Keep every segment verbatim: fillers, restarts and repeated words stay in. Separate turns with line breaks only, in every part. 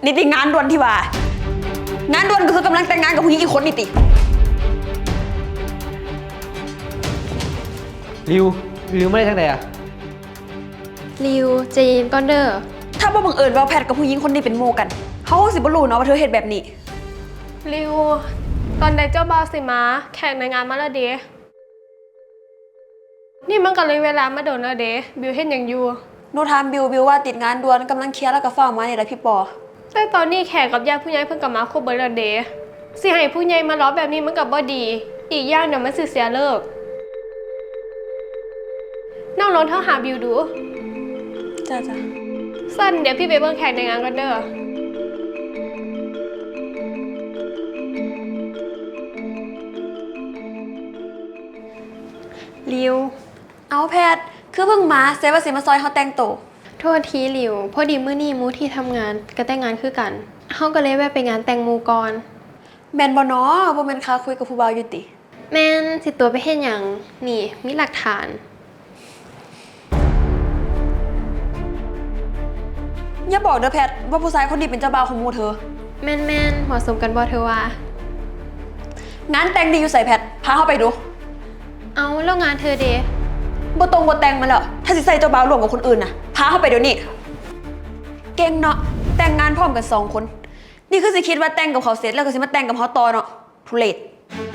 นี่ติงานด่วนที่ว่างานด่วนก็คือกำลังแต่งงานกับผู้หญิงอีกคนนี่ติ
ริวริวไม่ได้ทั้งใดอะ
ริวใจเย็นก่อนเด้อ
ถ้าบ่บังเอิญว่าแพทกับผู้หญิงคนนี้เป็นโมกันเขาคงสิบ่รู้เนาะว่าเธอเฮ็ดแบบนี้
ริวตอนใดเจ้าบ่าวสิมาแขกในงานมาแล้วเด้นี่มันก็เลยเวลามาโดนแล้วเด้บิวเฮ็ดหยังอยู่
โนถามบิวบิวว่าติดงานด่วนกำลังเคลียร์แล้วก็ฟ้าวมานี่แหละพี่ปอ
แต่ตอนนี้แขกกับญาติผู้ใหญ่เพิ่งกลับมาครบเบิดแล้วเด้สิให้ผู้ใหญ่มาล้อแบบนี้มันก็บ่ดีอีกอย่างเดี๋ยวมันสิเสียเลิกนั่งรถเท่าหาบิวดู
จ้าจ้า
สั้นเดี๋ยวพี่ไปเบิ่งแขกในงานกันเด้อริว
เอาแพทคือเพิ่งมาเซว่าสิมาซอยเขาแต่งโต
โทษทีริวพอดีมื้อนี้มูที่ทำงานก็แต่งงานคือกันเฮาก็เลยแวะไปงานแต่งมูก่อน
แม่นบ่เนาะบ่แม่นค่าคุยกับผู้บ่าวอยู่ติ
แม่นสิตัวไปเฮ็ดหยังนี่มีหลักฐาน
อย่าบอกเด้อแพทว่าผู้ชายคนนี้เป็นเจ้าบ่าวของหมู่เธอ
แม่นๆเหมาะสมกันบ่เธอว่า
งานแต่งดีอยู่ใส่แพทพาเข้าไปดู
เอาแล้วงานเธอเด้
บ่ตรงบ่แต่งมาแล้วถ้าสิใส่เจ้าบ่าวร่วมกับคนอื่นน่ะพาเข้าไปเดี๋ยวนี้เก่งเนาะแต่งงานพร้อมกันสองคนนี่คือสิคิดว่าแต่งกับเขาเสร็จแล้วก็สิมาแต่งกับเขาต่อเนาะทุเรศ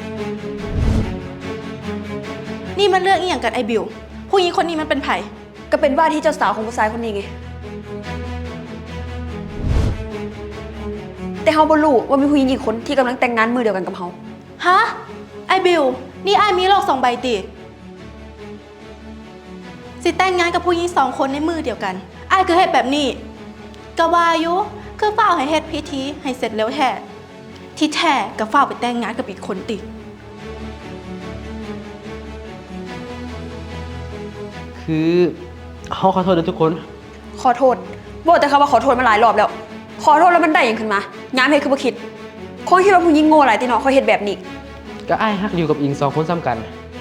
นี่มันเรื่องอีหยังกันไอ้บิวผู้หญิงคนนี้มันเป็นไผ
ก็เป็นว่าที่เจ้าสาวของผู้ชายคนนี้ไงแต่เฮาบ่รู้ว่ามีผู้หญิงอีกคนที่กำลังแต่งงานมือเดียวกันกับเฮา
ฮะไอ้บิวนี่ไอ้มีโลกสองใบติสิแต่งงานกับผู้หญิงสองคนในมือเดียวกันไอ้คือเฮ็ดแบบนี้กะว่าอยู่คือฝ้าวให้เฮ็ดพิธีให้เสร็จแล้วแท้ที่แท้ก็ฝ้าวไปแต่งงานกับอีกคนติ
คือเขาขอโทษด้วยทุกคน
ขอโทษบอกแต่เขาว่าขอโทษมาหลายรอบแล้วขอโทษแล้วมันได้ยังขึ้นมาย้ำเฮ็ดคือบ่คิดคงคิดว่าผู้หญิงโง่หลายติเนาะเขาเฮ็ดแบบนี้
ก็อ้ายฮักอยู่กับอิงสองคนซ้ำกัน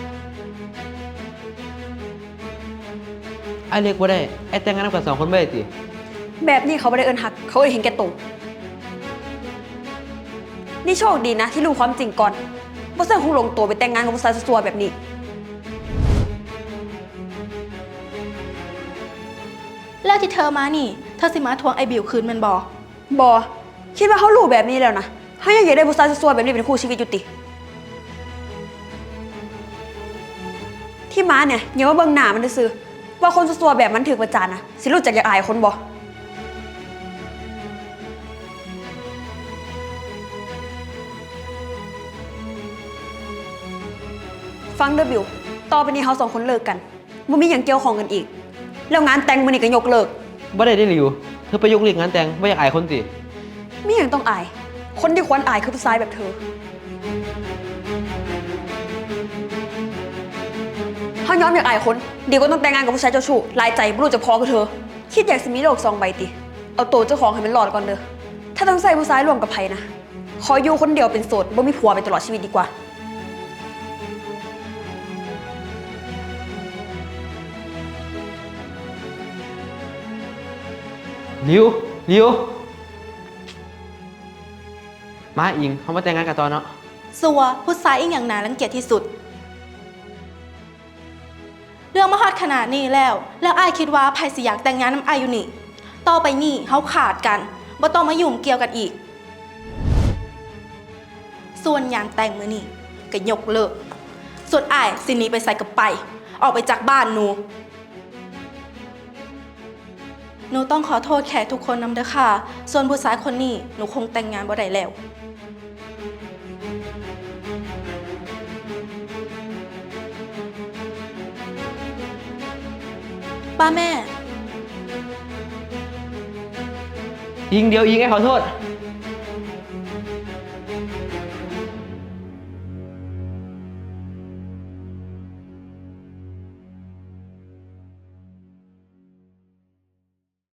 ไอ้เรียกว่าได้ไอ้แต่งงานกับสองคนไม่ได้ติ
แบบนี้เขาไม่ได้เอิ้นฮักเขาเอิ้นเห็นแก่ตัวนี่โชคดีนะที่รู้ความจริงก่อนบ่ซั่นคงลงตัวไปแต่งงานกับผู้ชายซัวๆแบบนี้
แล้วที่เธอมานี่เธอสิมาทวงไอ้บิวคืนมันบ่
บ่คิดว่าเขารู้แบบนี้แล้วนะเขายังอยากได้ผู้ชายซัวๆแบบนี้เป็นคู่ชีวิตอยู่ติที่มาเนี่ยอย่าว่าเบิ่งหน้ามันซื่อว่าคนซัวๆแบบมันถูกประจานนะสิรู้จักอยากอายคนบ่ฟังเด้อบิวต่อไปนี้เขาสองคนเลิกกันบ่มีหยังเกี่ยวข้องกันอีกแล้วงานแต่งมื้อนี้ก็ยกเลิก
บ่ได้ได้ริวเธอไปยกเลิกงานแต่งบ่อยากอายคนติ
มีหยังต้องอายคนที่ควรอายคือผู้ชายแบบเธอเขายอมอยากอายคนดีกว่าต้องแต่งงานกับผู้ชายเจ้าชู้ลายใจบ่รู้จะพอกับเธอคิดอยากสิมีโลกสองใบติเอาตัวเจ้าของให้มันรอดก่อนเด้อถ้าต้องใส่ผู้ชายร่วมกับไผนะขออยู่คนเดียวเป็นโสดบ่มีผัวไปตลอดชีวิตดีกว่า
ริวริวมาอิงเขามาแต่งงานกันตอนเนาะ
สัวผู้ชายอีกอย่างน่ารังเกียจที่สุดเรื่องมาฮอดขนาดนี้แล้วแล้วอ้ายคิดว่าไผสิอยากแต่งงานน้ำอ้ายอยู่นี่ต่อไปนี่เฮาขาดกันบ่ต้องมายุ่งเกี่ยวกันอีกส่วนงานแต่งมื้อนี้ก็ยกเลิกส่วนอ้ายสิหนีไปใส่กับไปออกไปจากบ้านหนูหนูต้องขอโทษแขกทุกคนนำเด้อค่ะส่วนผู้ชายคนนี้หนูคงแต่งงานบ่ได้แล้วป้าแม่
อิงเดียวอิงไอ้ขอโทษ